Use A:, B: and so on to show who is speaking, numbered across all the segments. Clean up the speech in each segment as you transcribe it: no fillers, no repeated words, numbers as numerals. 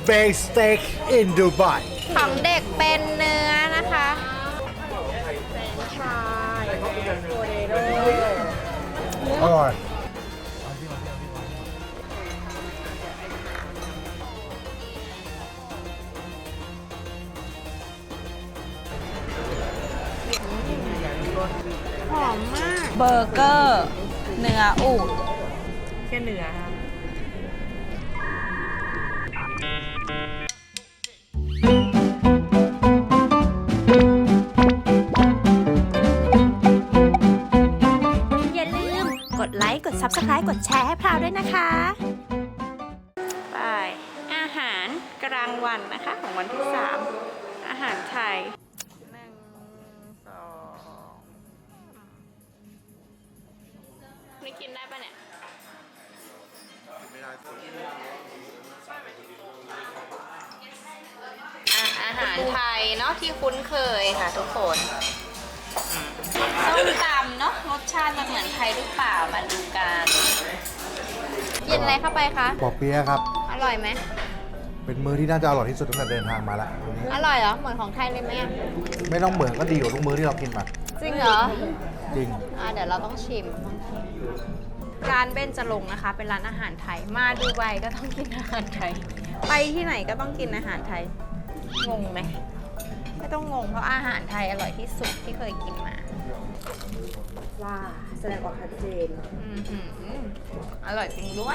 A: baked steak in Dubai
B: ของเด็กเป็นเนื้อนะคะ
A: อร่อย
B: หอมมาก เบอร์เกอร์ เนื้ออูฐ
C: แค่เนื้อค่ะ
B: อย่าลืมกดไลค์ กด Subscribe กดแชร์ให้พราวด้วยนะคะไปอาหารกลางวันนะคะ ของวันที่ 3 อาหารไทย 1 2 นี่กินได้ปะเนี่ย อาหารไทยเนาะที่คุ้นเคยค่ะทุกคนส้มตำเนาะรสชาติจะเหมือนไทยหรือเปล่ามาดูกันกินอะไรเข้าไปคะ
A: ปอเปี๊ยะครับ
B: อร่อยไหม
A: เป็นมื้อที่น่าจะอร่อยที่สุดตั้งแต่เดินทางมาแล้ววันนี้
B: อร่อยเหรอ เหมือนของไทยเลยไหมอะ
A: ไม่ต้องเหมือนก็ดีกว่าทุกมื้อที่เรากินมา
B: จริงเหรอ
A: จริง
B: เดี๋ยวเราต้องชิมร้านเบญจรงค์นะคะ เป็นร้านอาหารไทย มาดูไบก็ต้องกินอาหารไทย ไปที่ไหนก็ต้องกินอาหารไทย งงไหม ไม่ต้องงงเพราะอาหารไทยอร่อยที่สุดที่เคยกินมา
C: ว่าแสดงออกชัดเจน
B: อื้อหืออร่อยจริงด้วย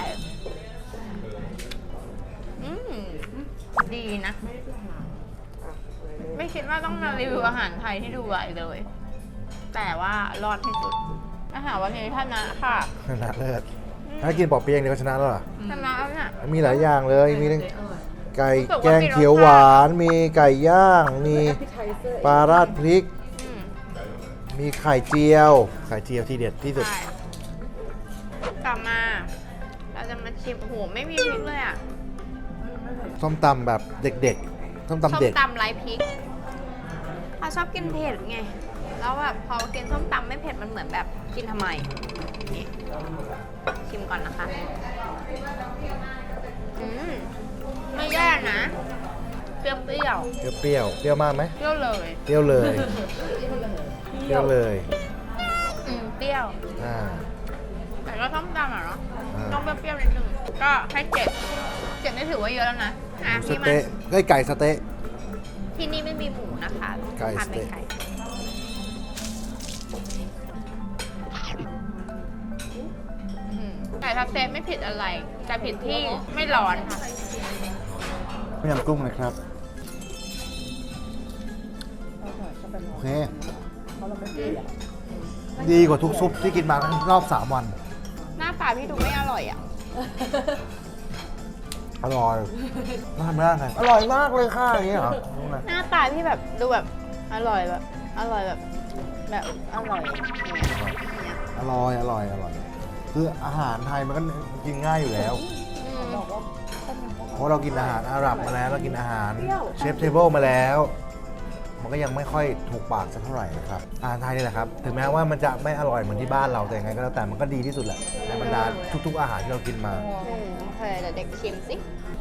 B: อืมดีนะ ไม่คิดว่าต้องมารีวิวอาหารไทยที่ดูไบเลย แต่ว่ารอดที่สุด อาหารวันนี้ท่านนะค่ะ
A: ชนะเลิศถ้ากินปอเปี๊ยะอย่างเดียวก็ชนะแล้วเหรอ
B: ชนะแล้วเนี่ย
A: มีหลายอย่างเลย มีทั้งไก่แกงเขียวหวาน มีไก่ย่าง มีปลาราดพริก
B: อืม
A: มีไข่เจียว ไข่เจียวที่เด็ดที่สุด
B: ใช่กลับมา เราจะมาชิมโอ้โหไม่มีพริกเลยอ่ะ
A: ส้มตำแบบเด็กๆ ส้มตำเด็ก
B: ส้มตำไร้พริกเราชอบกินเผ็ดไง แล้วแบบพอกินส้มตำไม่เผ็ดมันเหมือนแบบกินทำไมนี่ชิมก่อนนะคะ ไม่แย่นะ เปรี้ยว
A: เปรี้ยวเปรี้ยวมากไหม
B: เปรี้ยวเลย
A: เปรี้ยวเลย เปรี้ยวเลย
B: เปรี้ยว
A: อ่า
B: แต่ก็ส้มตำอ่ะเนาะ
A: อ่า
B: ต้องเปรี้ยวๆนิดนึง ก็ให้7นี่ถือว่าเยอะแล้วนะอ่ะ
A: ส
B: พี่มา
A: เต๊ะไก่สเต๊ะ
B: ที่นี่ไม่มีหมูนะคะ
A: ไก่
B: ทาน
A: ส
B: เป็
A: เต๊ะ
B: นไก่ไก่สเต๊ะไม่ผิดอะไร แต่ผิดที่ไม่ร้อนค่ะ
A: ต้มยำกุ้งนะครับ โอเค ดีกว่าทุกซุปที่กินมาทั้งรอบ 3 วัน
B: หน้าตาพี่ดูไม่อร่อยอ่ะ
A: อร่อยน่าทำไม่ได้ไงอร่อยมากเลยค่ะอย่างเงี้ยเหรอรู้ไหม
B: หน้าตาพี่แบบดูแบบอร่อยแบบอร่อยแบบอร่อยอย่างเงี้ย
A: อร่อยอร่อยอร่อย คืออาหารไทยมันก็กินง่ายอยู่แล้ว
B: อืม
A: เพราะเรากินอาหารอาหรับมาแล้วเรากินอาหารเชฟเทเบิลมาแล้ว มันก็ยังไม่ค่อยถูกปากสักเท่าไหร่นะครับอาหารไทยนี่แหละครับ ถึงแม้ว่ามันจะไม่อร่อยเหมือนที่บ้านเราแต่ยังไงก็แล้วแต่มันก็ดีที่สุดแหละในบรรดาทุกๆอาหารที่เรากินมา
B: โอเคเดี๋ยวเด็กชิมสิ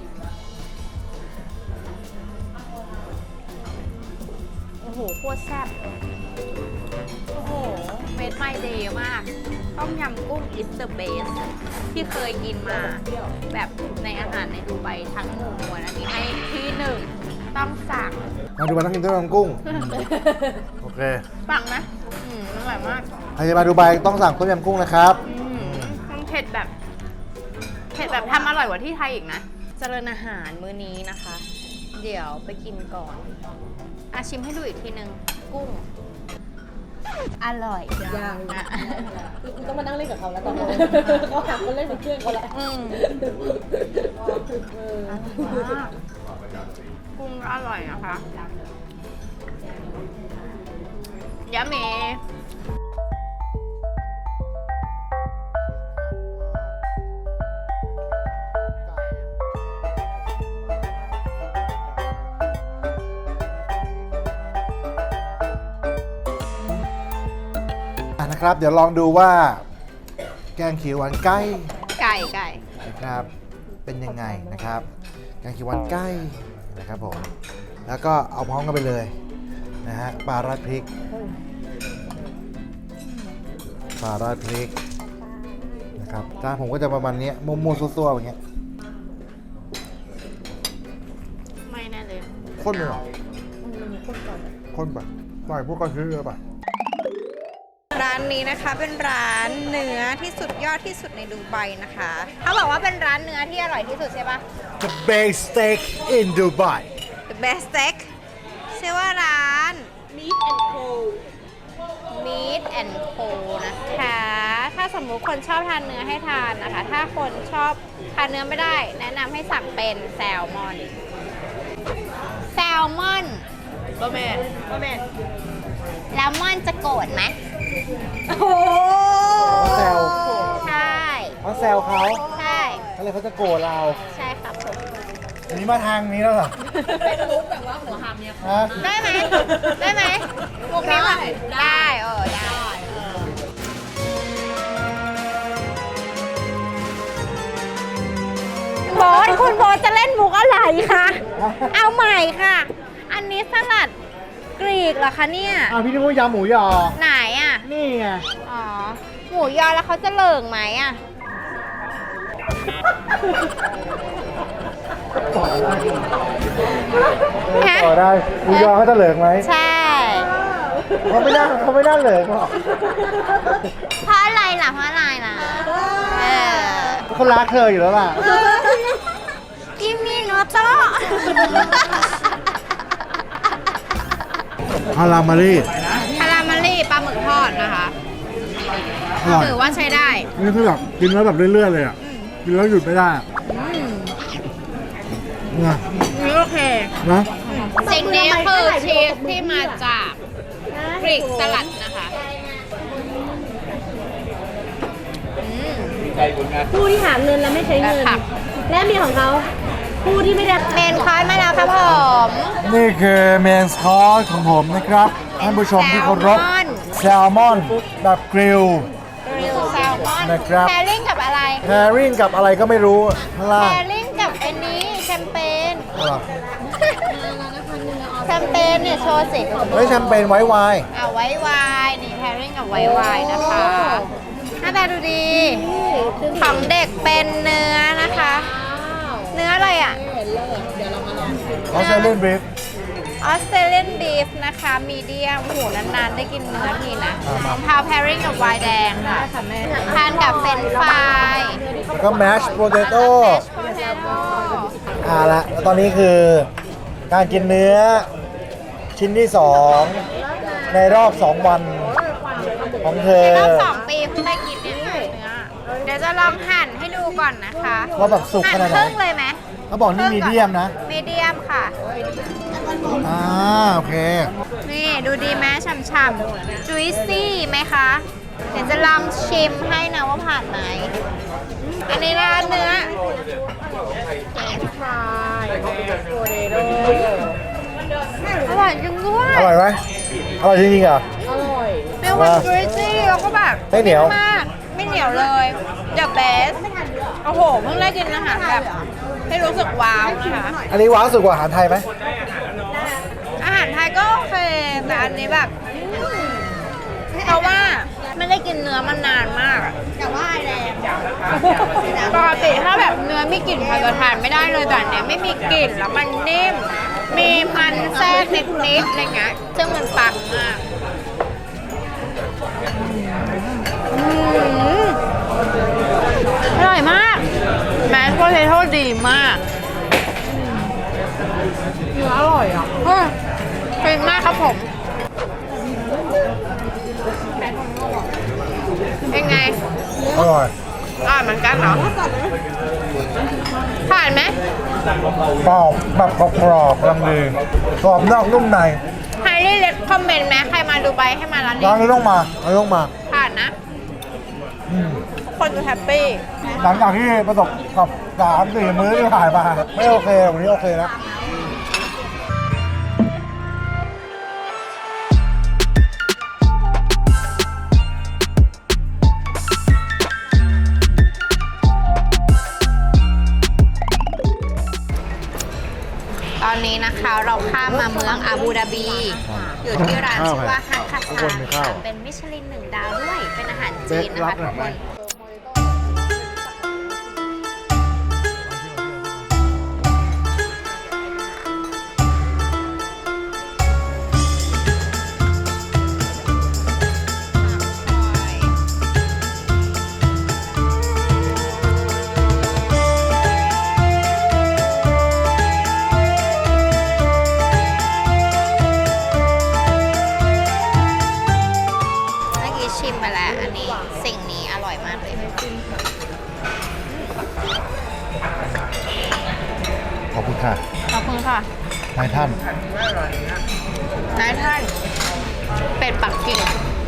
B: โอ้โหโคตรแซ่บโอ้โหเม็ดไม่ดีมาก ต้มยำกุ้ง is the best ที่เคยกินมา แบบในอาหารในดูไบทั้งหมู่มวลอันนี้ให้ที่หนึ่งต้องสั่ง
A: มาดูมาต้องกินต้มยำกุ้ง โอเค
B: สั่งนะอร่อยมาก
A: ใครจะมาดูไบต้องสั่งต้มยำกุ้งนะครับ
B: มันเผ็ดแบบทำอร่อยกว่าที่ไทยอีกนะ เจริญอาหารมื้อนี้นะคะ เดี๋ยวไปกินก่อนชิมให้ดูอีกทีนึง กุ้ง อร่อย
C: ยัง
B: อ่ะ
C: คุณต้องมานั่งเล่นกับเขาแล้วตอนนี้เขาหักมาเล่นเป็นเพื่อนเขาแล้ว
B: อร่อยมากกุ้งก็อร่อยนะคะยะเม
A: นะครับ เดี๋ยวลองดูว่า แกงเขียวหวานไก่
B: ไก่
A: นะครับ เป็นยังไงนะครับ แกงเขียวหวานไก่นะครับผมแล้วก็เอาพร้อมกันไปเลยนะฮะปลาราดพริกนะครับจานผมก็จะประมาณนี้มั่วๆซั่วๆอย่างเงี้ย
B: ไม่แน่เลย
A: ข้นไปหรอ
C: มันมีคนก่อน
A: ข้นไปใส่พวกกระเทียมเยอะไป
B: ร้านนี้นะคะเป็นร้านเนื้อที่สุดยอดที่สุดในดูไบนะคะเขาบอกว่าเป็นร้านเนื้อที่อร่อยที่สุดใช่ปะ
A: The best steak in Dubai
B: The best steak ชื่อว่าร้าน
C: Meat and Co
B: Meat and Co นะคะ ถ้าสมมุติคนชอบทานเนื้อให้ทานนะคะ ถ้าคนชอบทานเนื้อไม่ได้ แนะนำให้สั่งเป็นแซลมอน แซลมอน
C: บะแมน
B: แล้วมอนจะโกรธไหม
C: โอ้โห
A: แซว
B: ใช่
A: เขาแซวเขา
B: ใช่
A: เขาเลยเขาจะโกรธเรา
B: ใช่ครับผม
A: อันนี้มาทางนี้แล้วเหรอ
C: เป็นมุกแบบว่าหัวหามเนี่ย
A: ฮะ
B: ได้ไหม ได้ไหมมุกนี้แบบได้ได้โบทคุณโบทจะเล่นมุกอะไรคะ เอาใหม่ค่ะ อันนี้สลัดกรีกเหรอคะเนี่ย
A: อ้าวพี่นึกว่ายำหมูยอ
B: ไหนอ่ะ
A: นี่ไง
B: อ๋อ หมูยอแล้วเขาจะเหลิงไหมอ่ะ ฮะ
A: ต่อได้หมูยอเขาจะเหลืองไหม
B: ใช่
A: เขาไม่น่าเหลืองหรอก
B: เพราะอะไรล่ะ เพราะอะไรล่ะ เออ
A: เขารักเธออยู่แล้วล่ะ
B: กิมมี่โนโต้
A: ฮารามารี
B: คาราเมลลี่ปลาหมึกทอดนะคะ
A: อร่อย
B: ถือว่าใช้ได้
A: นี่คือแบบกินแล้วแบบเรื่อยๆเลยอ่ะ กินแล้วหยุดไม่ได้อะเนี่ย
B: นี่โอเค
A: นะ
B: สิ่งนี้คือชีสที่มาจากกรีกสลัดนะคะอืม
C: ผู้ที่หาเงินแล้วไม่ใช้เงิน
B: แบบผัก
C: และมีของเขาผู้ที่ไม่ได้
B: เมนคอร์สมาแล้วครับผม
A: นี่คือเมนคอร์สของผมนะครับท่านผู้ชมที่เคารพแซลมอนแบบกริล
B: กริลแซลมอน
A: นะครับ
B: แพริ่งกับอะไร
A: แฮริ่งกับอะไรก็ไม่รู้ข้างล่า
B: แพ
A: ง
B: ริ่งกับอันนี้แชมเปญ
A: อะไร
B: แชมเปญเนี่ยโชว์สิ
A: เฮ้ยแชมเปญไว้ไวน์
B: เอาไว้วายนี่แพริ่งกับไว้วายนะคะหน้าตาดูดี ของเด็กเป็นเนื้อนะคะ เนื้ออะไรอ่ะ
C: เห็นเลยเดี๋ยวเรามาลองชิม
A: เขาจะเล่นบรีฟ
B: ออสเตรเลียนบีฟนะคะมีเดียมหูนานๆได้กินเนื้อทีนะของพาวแพริ่งกับไวน์แดงค่ะทานกับเฟรนช์ฟราย
A: แล้วก็แมชโปเตโต้
B: โพเทโต้
A: ละแล้วตอนนี้คือการกินเนื้อชิ้นที่ 2 ในรอบ 2 วันของเธอ
B: ในรอบ2 ปีเพิ่งได้กินเนี่ยเนื้อเดี๋ยวจะลองหั่นให้ดูก่อนนะคะ
A: ว่าแบบสุก
B: หั่
A: ข
B: น
A: นาด
B: ค
A: ไหน
B: รึ่งเลยไหม
A: เขาบอกนี่มีเดียมนะ
B: มีเดียมค่ะ
A: โอเค
B: นี่ดูดีไหมฉ่ำๆ juicy ไหมคะ เดี๋ยวจะลองชิมให้นะว่าผ่านไหม อันนี้ร้านเนื้อ
C: ฟรายโปเตโต้
B: อร่อยจริงด้วย
A: อร่อยไหมอร่อยจริงๆเหรอ
C: อร่อย
B: มีความ juicy แล้วก็แบบ
A: ไม่เหนียว
B: มาก ไม่เหนียวเลย the best โอ้โห เพิ่งได้กินอาหารแบบให้รู้สึกว้าวนะคะ
A: อันนี้ว้าวสุดกว่าอาหารไทยไหม
B: อาหารไทยก็โอเค แต่อันนี้แบบเพราะว่าไม่ได้กินเนื้อมานานมากแต่ว่าแรงปกติถ้าแบบเนื้อมีกลิ่นพอทานไม่ได้เลยแต่อันเนี้ยไม่มีกลิ่นแล้วมันนิ่ม มีมันแทรกนิดๆอะไรเงี้ยซึ่งมันปังมากอร่อยมากแมสโพเทโต้ดีมาก
C: เนื้ออร่อยอ่ะ
B: เป็นมากครับผม เป็นไง
A: อร่อย
B: เหมือนกันเหรอ ผ่านไหม
A: เปล่าแบบกรอบๆกำลังดีกรอบนอกนุ่มใน
B: ใครได้เลดคอมเมนต์ไหมใครมาดูไบให้มาร้าน
A: ร้าน
B: นี้
A: นี้ต้องมา
B: ผ่านนะ
A: อืม
B: ทุกคนดูแฮปปี้
A: หลังจากที่ประสบกับ3-4 มื้อที่ผ่านมา ไม่โอเควันนี้โอเคแล้ว
B: ตอนนี้นะคะเราข้ามมาเมืองอาบูดาบี อยู่ที่ร้านชื่อว่าฮักคาซาค่ะเป็นมิชลิน1 ดาวด้วย เป็นอาหารจีนนะคะทุกคน เมื่อกี้ชิมไปแล้ว อันนี้สิ่งนี้อร่อยมากเลย
A: ขอบคุณค่ะ
B: ขอบคุณค่ะ
A: นายท่าน
B: นายท่าน เป็ดปักกิ่ง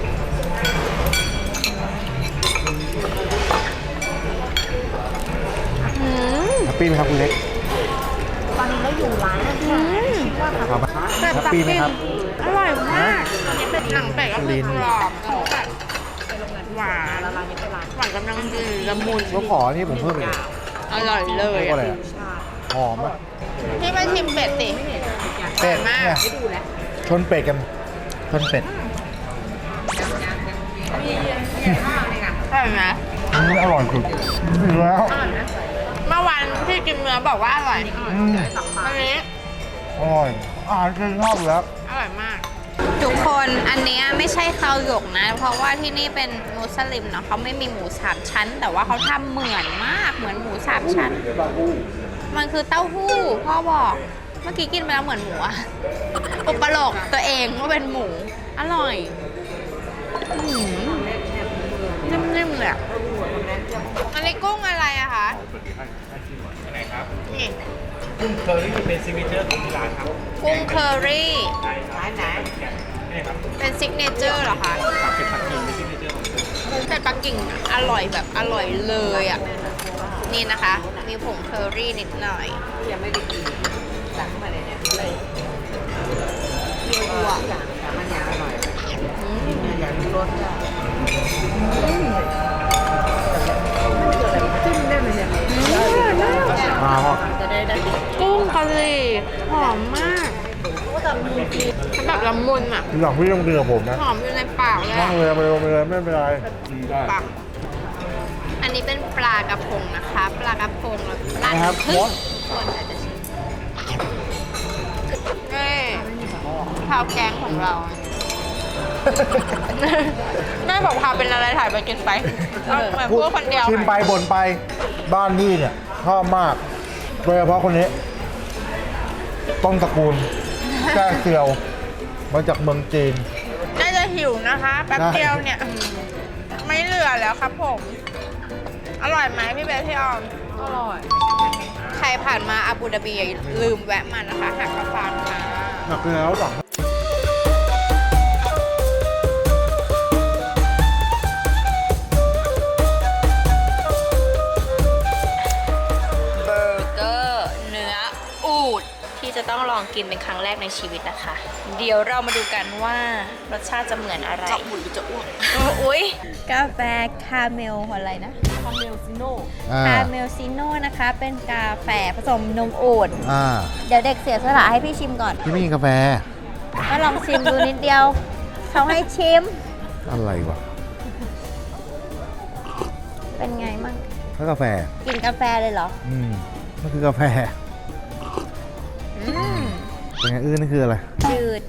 B: อืม
A: แฮปปี้ไหมครับคุณเล็ก
C: ตอนนี้เราอยู่ร้านที่ชื่อว่า
A: ครับ
B: เป็ด
A: แฮป
B: ปัก
A: ปี้ไหม
B: กิ่ง
A: ครับ
B: อร่อยมากอันนี้เป็นหนังเป็ดก็คือกรอบแล้วแบบหวาน
C: ร้านนี้เป็นร้าน
B: หวานกำลังดีละมุน
A: แล้วขอนี่ผมเพิ่มไปเลย
B: อร่อยเล
A: เรี
B: ย
A: ยกว่าอะไรอะหอมอ่ะ
B: พี่มาชิมเป็ดสิ
A: เป็ด
B: มาก
A: เนี่ยชนเป็ดกัน ชนเป็ด
B: อร่อยไหม
A: อันนี้อร่อยสุดแล้ว
B: เมื่อวานที่กินเนื้อบอกว่าอร่อย
A: อืม
B: อันนี้
A: อร่อยอาหารกินชอบอยู่แล้ว
B: อร่อยมาก ทุกคนอันเนี้ยไม่ใช่ข้าวหยกนะ เพราะว่าที่นี่เป็นมุสลิมเนาะเขาไม่มีหมู3 ชั้น แต่ว่าเขาทำเหมือนมากเหมือนหมู3 ชั้น มันคือเต้าหู้พ่อบอกเมื่อกี้กินไปแล้วเหมือนหมูอะอุปโลกตัวเองว่าเป็นหมู อร่อยนิ่มๆเลยอะอันนี้กุ้งอะไรอะคะนี่
D: กุ้งเคอรี่เป็นซิกเนเจอร์ของที่ร้านครับ
B: กุ้งเคอรี่
D: ร้านไหนนี่ครับ
B: เป็นซิกเนเจอร์เหรอคะ
D: ครับเป็นปักกิ่งเป็นซิกเนเจอร์ของที่ร้าน
B: เป็ดปักกิ่งอร่อยแบบอร่อยเลยอ่ะ นี่นะคะ มีผงเคอรี่นิดหน่อย
C: ยังไม่ได้กินสั่งมาเลยเนี่ยเลย
B: ยั่ว
C: แต่มันยังอร่อย
B: ๆอืม
C: อย่างรสอ่ะจิ้มได้ไหมเนี่ย
A: มาพ่อ
C: จะได้ดี
B: กุ้งกะหรี่หอมมากมันแบบละมุนอ่ะ
A: ทีหลังพี่ต้องกินกับผมนะ
B: หอมอยู่ในปากเลย
A: นั่
B: อะ
A: งเลยไปเลยไม่เป็นไร
B: ปากอันนี้เป็นปลากระพงนะคะ ปลากระพงแล้วปลา
A: นะครับ
B: พึ่
A: ม
B: ง
A: ด
B: คนอาจจะชิมนี่ข้าวแกงของเรา แม่บอกพาเป็นอะไรถ่ายไปกินไปเอาเหมือนพูดคนเดียว
A: ชิมไปบ่นไปบ้านพี่เนี่ยชอบมากโดยเฉพาะคนนี้ ต้นตระกูลแจ้เซียว มาจากเมืองจีน
B: น่าจะหิวนะคะแป๊บเดียวเนี่ย ไม่เหลือแล้วครับผม อร่อยไหมพี่เบสพี่ออม
C: อร่อย
B: ใครผ่านมาอาบูดาบีอย่าลืมแวะมานะคะหักกระฟานค่ะ
A: หนักแล้วหรอ
B: เบอร์เกอร์เนื้ออูฐที่จะต้องลองกินเป็นครั้งแรกในชีวิตนะคะ เดี๋ยวเรามาดูกันว่ารสชาติจะเหมือนอะไรจะอุ่นหรือจะอ้วกอุ๊ยกาแฟคาเมลอะไรนะ
C: คาเมลซิโน่
B: คาเมลซิโน่นะคะ เป็นกาแฟผสมนมอูฐ
A: อ่า
B: เดี๋ยวเด็กเสียสละให้พี่ชิมก่อน
A: พี่ไม่กินกาแฟ
B: ก็ลองชิมดูนิดเดียว เขาให้ชิม
A: อะไรวะ
B: เป็นไงมั่ง
A: ถ้ากาแฟ
B: กินกาแฟเลยเหรอ
A: มันคือกาแฟ
B: อืม
A: เป็นไงอื้อนี่คืออะไร
B: จืด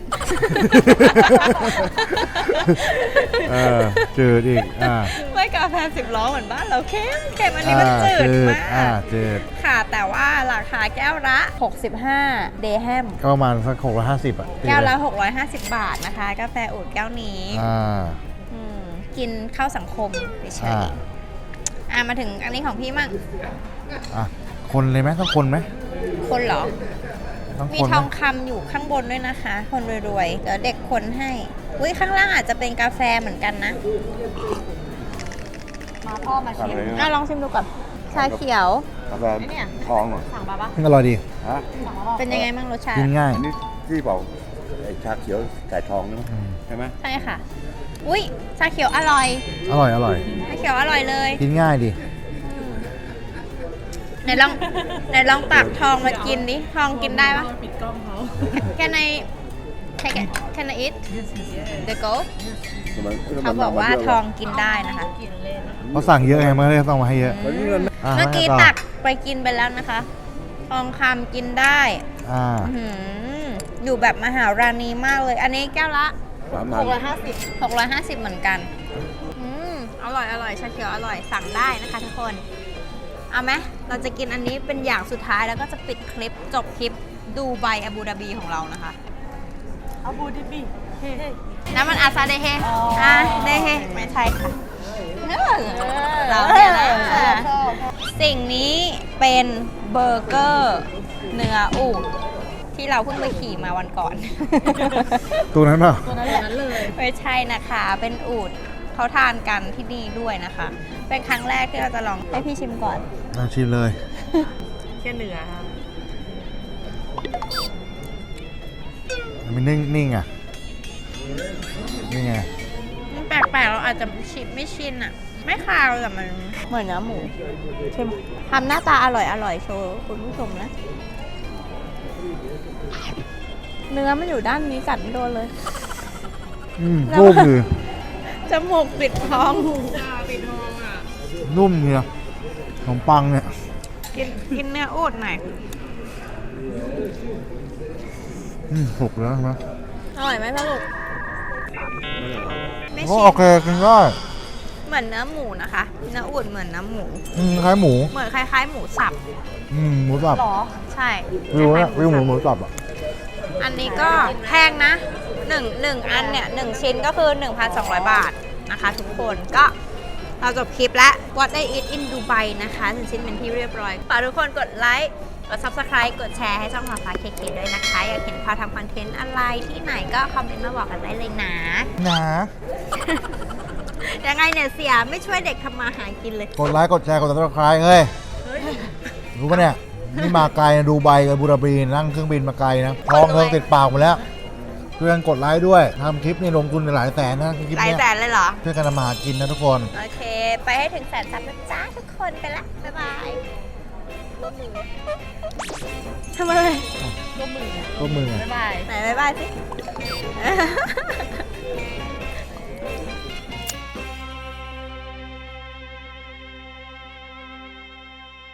A: จืดอีก
B: ไม่กาแฟ10 ล้อเหมือนบ้านเราเข้มเข้มอันนี้มันจืดมาก
A: จืด
B: ค่ะ แต่ว่าราคาแก้วละ 65 เดแฮม
A: ก็ประมาณสัก650อ่ะ
B: แก้วละ 650 บาทนะคะ กาแฟอูดแก้วนี้
A: อ่า
B: อืมกินเข้าสังคมเฉย ๆมาถึงอันนี้ของพี่มั่ง
A: อ่ะ คนเลยไหมต้องคนไหม
B: คนเหรอ
A: ต้อง
B: มี
A: คน
B: ท
A: ไหม
B: องคำอยู่ข้างบนด้วยนะคะ คนรวยๆ เดี๋ยวเด็กคนให้ อุ้ยข้างล่างอาจจะเป็นกาแฟเหมือนกันนะ
C: มาพ่อมาชิม
B: ลองชิมดูก่อน ชาเขียว
E: กาแฟ
B: เนี่ย
E: ทองเหรอ
C: สั่งมาปะ
A: อร่อยดี
E: ฮะ
C: สั่งมาปะ
B: เป็นยังไงบ้างรสชาติ
A: กินง่าย
E: อันนี้ที่บอกไอ้ชาเขียวไก่ทองนี่มั้ย
A: อืม
E: ใช่ไหม
B: ใช่ค่ะ อุ้ยชาเขียวอร่อย
A: อร่อย
B: ชาเขียวอร่อยเลย
A: กินง่ายดี
B: ไหนลองตักทองมากินดิ ทองกินได้ปะ
C: ปิดกล้องเขา
B: Can I take it Can I eat the goat
E: ทำไม
B: เขาบอกว่าทองกินได้นะคะ
A: เขาสั่งเยอะไงมันก็เลยต้องมาให้เยอะ
E: แล้วนี่มัน
A: ะ
B: เมื่อกี้
A: ให้
B: ตักไปกินไปแล้วนะคะ ทองคำกินได้
A: อ่า
B: อื้อหืออยู่แบบมหาราณีมากเลย อันนี้แก้วละ
E: 3,000
B: 650 เหมือนกัน อร่อยชาเขียวอร่อยสั่งได้นะคะทุกคน เอาไหมเราจะกินอันนี้เป็นอย่างสุดท้ายแล้วก็จะปิดคลิปจบคลิปดูไบอาบูดาบีของเรานะคะ
C: อาบูดิบี
B: น้ำมันอาซาเดเฮเดเฮไม่ใช่ค่ะเราเนี่ยนะสิ่งนี้เป็นเบอร์เกอร์เนื้ออูฐที่เราเพิ่งไปขี่มาวันก่อน
A: ตัวนั้นเปล่า
C: ตัวนั้นแหละนั้นเลย
B: ไม่ใช่นะคะ เป็นอูฐเขาทานกันที่นี่ด้วยนะคะ เป็นครั้งแรกที่เราจะลองให้พี่ชิมก่อน
A: ลองชิมเลย
C: แค่เนื้อค่ะ
A: มันนิ่งอ่ะ นี่ไง
B: มันแปลกๆเราอาจจะไม่ชินอ่ะ ไม่คาวแต่มันเหมือนเนื้อหมูชิมทำหน้าตาอร่อยโชว์คุณผู้ชมนะ เนื้อมันอยู่ด้านนี้กัดไม่โดนเลย แล้ว
A: นุ่มดี
B: จมูกปิดท้อง
A: นุ่มเนี่ยขนมปังเนี่ย
B: กินเนื้ออูฐหน่อย
A: สุกแล้วใช่ไหม
B: อร่อยไหมพ่อลูกไม่
A: ก็
B: ชิ
A: โอเคกินได้
B: เหมือนเนื้อหมูนะคะ เนื้ออูฐเหมือนเนื้อหมู
A: คล้ายหมู
B: เหมือนคล้ายๆหมูสับ
A: หมูสับ
B: ใช่
A: วิวนะวิวหมู
B: สับ
A: หมูสับอ่ะ
B: อันนี้ก็แพงนะหนึ่งอันเนี่ย1ชิ้นก็คือ 1,200 บาทนะคะทุกคนก็เราจบคลิปแล้ว What I Eat in Dubai นะคะ1ชิ้นเป็นที่เรียบร้อยฝากทุกคนกดไลค์กด Subscribe กดแชร์ให้ช่องฟ้าเคเคด้วยนะคะ อยากเห็นพาทำคอนเทนต์อะไรที่ไหนก็คอมเมนต์มาบอกกันได้เลยนะ
A: นะ
B: ยังไงเนี่ยเสียไม่ช่วยเด็กทำมาหากินเลย
A: กดไลค์ กดแชร์ กด subscribe เฮ้ย รู้ปะเนี่ย นี่มาไกลนะดูไบกับบูดาบีนั่งเครื่องบินมาไกลนะท้องเทิงติดปากหมดแล้วช่วยกันกดไลค์ด้วยทำคลิปนี่ลงทุนหลายแสนนะคลิป
B: หลาย
A: เนี้ย
B: แสนเลยเหรอ
A: ช่วยกันทำมาหากินนะทุกคน
B: โอเค ไปให้ถึง100,000 ซับนะจ้าทุกคนไปละ บ๊ายบายทำอะไร
A: ก็มือไง
B: ไหนบ๊ายบายสิ